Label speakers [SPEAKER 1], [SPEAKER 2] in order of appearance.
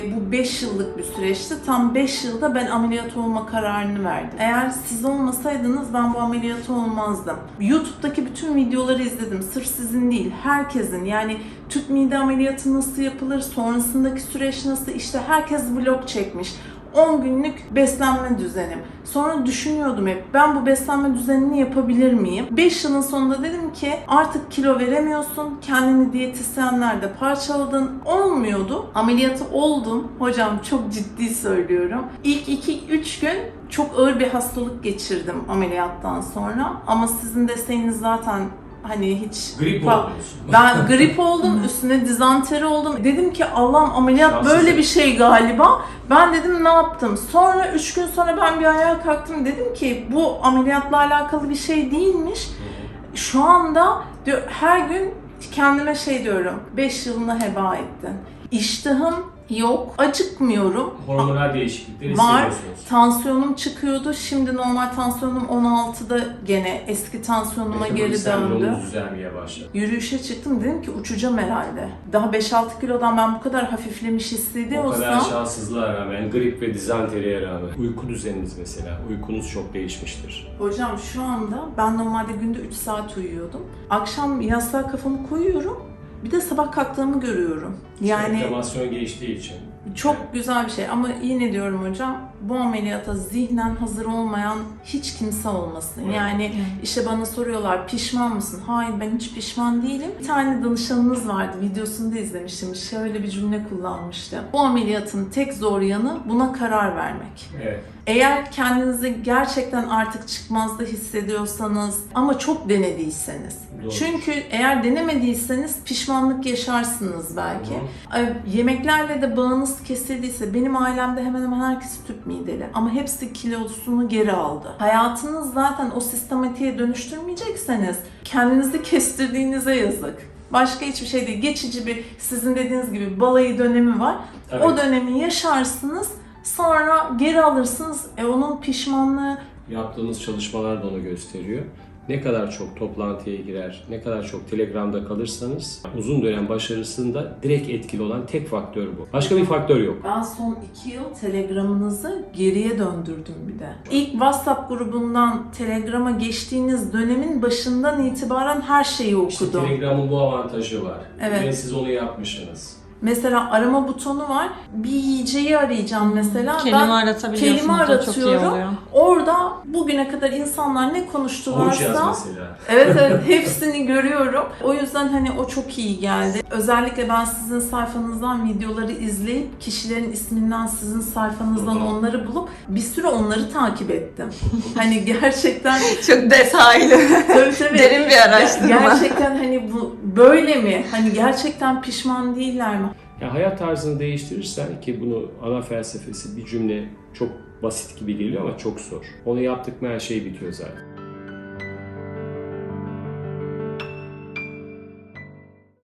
[SPEAKER 1] Bu 5 yıllık bir süreçti. Tam 5 yılda ben ameliyat olma kararını verdim. Eğer siz olmasaydınız ben bu ameliyatı olmazdım. YouTube'daki bütün videoları izledim. Sırf sizin değil, herkesin. Yani tüp mide ameliyatı nasıl yapılır, sonrasındaki süreç nasıl, işte herkes vlog çekmiş. 10 günlük beslenme düzenim. Sonra düşünüyordum hep, ben bu beslenme düzenini yapabilir miyim? 5 yılın sonunda dedim ki artık kilo veremiyorsun, kendini diyetisyenlerde parçaladın, olmuyordu. Ameliyatı oldum. Hocam çok ciddi söylüyorum. İlk 2-3 gün çok ağır bir hastalık geçirdim ameliyattan sonra. Ama sizin desteğiniz zaten hani hiç...
[SPEAKER 2] Grip oldunuz.
[SPEAKER 1] Ben grip oldum, üstüne dizanteri oldum. Dedim ki Allah'ım ameliyat
[SPEAKER 2] Şanssız
[SPEAKER 1] böyle bir şey galiba. Ben dedim ne yaptım? Sonra 3 gün sonra ben bir ayağa kalktım. Dedim ki bu ameliyatla alakalı bir şey değilmiş. Şu anda diyor, her gün kendime şey diyorum. 5 yılını heba ettin. İştahım yok, acıkmıyorum.
[SPEAKER 2] Hormonal değişiklikleri
[SPEAKER 1] Var.
[SPEAKER 2] hissediyorsunuz.
[SPEAKER 1] Tansiyonum çıkıyordu. Şimdi normal tansiyonum 16'da, gene eski tansiyonuma geri döndü.
[SPEAKER 2] Yolunuz düzelmeye başladı.
[SPEAKER 1] Yürüyüşe çıktım, dedim ki uçacağım herhalde. Daha 5-6 kilodan ben bu kadar hafiflemiş
[SPEAKER 2] O
[SPEAKER 1] hissediyorsam...
[SPEAKER 2] kadar şanssızlığa rağmen, grip ve dizanteriye rağmen, uyku düzeniniz mesela, uykunuz çok değişmiştir.
[SPEAKER 1] Hocam şu anda ben normalde günde 3 saat uyuyordum. Akşam yastığa kafamı koyuyorum. Bir de sabah kalktığımı görüyorum. Yani
[SPEAKER 2] Enflamasyon geçtiği için.
[SPEAKER 1] çok güzel bir şey ama yine diyorum hocam, bu ameliyata zihnen hazır olmayan hiç kimse olmasın. Yani işte bana soruyorlar, pişman mısın? Hayır, ben hiç pişman değilim. Bir tane danışanınız vardı, videosunu da izlemiştim. Şöyle bir cümle kullanmıştı. Bu ameliyatın tek zor yanı buna karar vermek.
[SPEAKER 2] Evet.
[SPEAKER 1] Eğer kendinizi gerçekten artık çıkmazda hissediyorsanız ama çok denediyseniz.
[SPEAKER 2] Doğru.
[SPEAKER 1] Çünkü eğer denemediyseniz pişmanlık yaşarsınız belki. Yemeklerle de bağınız kesildiyse, benim ailemde hemen hemen herkes tüp mideli ama hepsi kilosunu geri aldı. Hayatınız zaten o sistematiğe dönüştürmeyecekseniz kendinizi kestirdiğinize yazık. Başka hiçbir şey değil. Geçici bir, sizin dediğiniz gibi balayı dönemi var.
[SPEAKER 2] Evet.
[SPEAKER 1] O dönemi yaşarsınız. Sonra geri alırsınız. Onun pişmanlığı...
[SPEAKER 2] Yaptığınız çalışmalar da onu gösteriyor. Ne kadar çok toplantıya girer, ne kadar çok Telegram'da kalırsanız uzun dönem başarısında direkt etkili olan tek faktör bu. Başka bir faktör yok.
[SPEAKER 1] Ben son 2 yıl Telegram'ınızı geriye döndürdüm bir de. İlk WhatsApp grubundan Telegram'a geçtiğiniz dönemin başından itibaren her şeyi okudum.
[SPEAKER 2] İşte Telegram'ın bu avantajı var.
[SPEAKER 1] Evet.
[SPEAKER 2] Ve siz onu yapmışsınız.
[SPEAKER 1] Mesela arama butonu var. Bir yiyeceği arayacağım mesela.
[SPEAKER 3] Kelime aratabiliyorsunuz.
[SPEAKER 1] Kelime
[SPEAKER 3] O çok iyi
[SPEAKER 1] aratıyorum.
[SPEAKER 3] oluyor.
[SPEAKER 1] Orada bugüne kadar insanlar ne
[SPEAKER 2] Havuç
[SPEAKER 1] konuştularsa...
[SPEAKER 2] yaz mesela.
[SPEAKER 1] Evet, hepsini görüyorum. O yüzden hani o çok iyi geldi. Özellikle ben sizin sayfanızdan videoları izleyip kişilerin isminden sizin sayfanızdan onları bulup bir süre onları takip ettim. Hani gerçekten
[SPEAKER 3] Çok detaylı.
[SPEAKER 1] tabii,
[SPEAKER 3] Derin bir araştırma.
[SPEAKER 1] gerçekten hani bu böyle mi? Hani gerçekten pişman değiller mi?
[SPEAKER 2] Ya hayat tarzını değiştirirsen, ki bunu ana felsefesi bir cümle çok basit gibi geliyor ama çok zor. Onu yaptık mı her şey bitiyor zaten.